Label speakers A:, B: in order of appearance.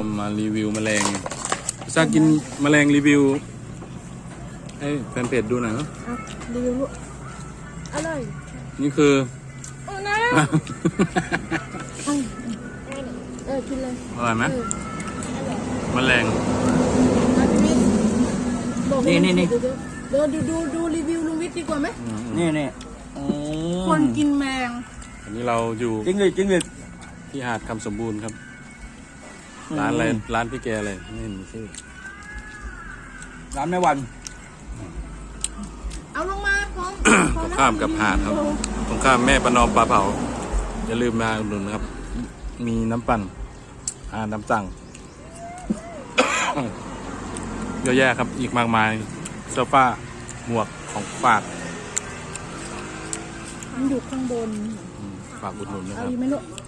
A: มารีวิวแมลงพิซซ่ากินแมลงรีวิวให้แฟนเพจดูหน่อยครับ
B: รีวิวลูกอร่อย
A: นี่คือ
B: โอ้นะกินเลย
A: อร่อยไหมแมลง
B: นี่ดูรีวิวลุงวิทย์ดีกว่าไหม
C: นี่
B: คนกินแมง
A: อันนี้เราอยู่
C: จริงเลย
A: ที่หาดคำสมบูรณ์ครับร้านอะไรร้านพี่แกอะไรไม่เห็นชื่อ
C: ร้านแม่วัน
B: เอาลงมาพร้อม
A: ตรงข้ามกับหาดครับตรงข้ามแม่ประนอมปลาเผาอย่าลืมมาอุดหนุนนะครับ มีน้ำปั่นน้ำสั่ง เยอะแยะครับอีกมากมายเสื้อผ้าหมวกของฝาก
B: มันอยู่ข้างบน
A: ฝากอุดหนุนนะ
B: เอา
A: ครับ
B: อีกไหมลูก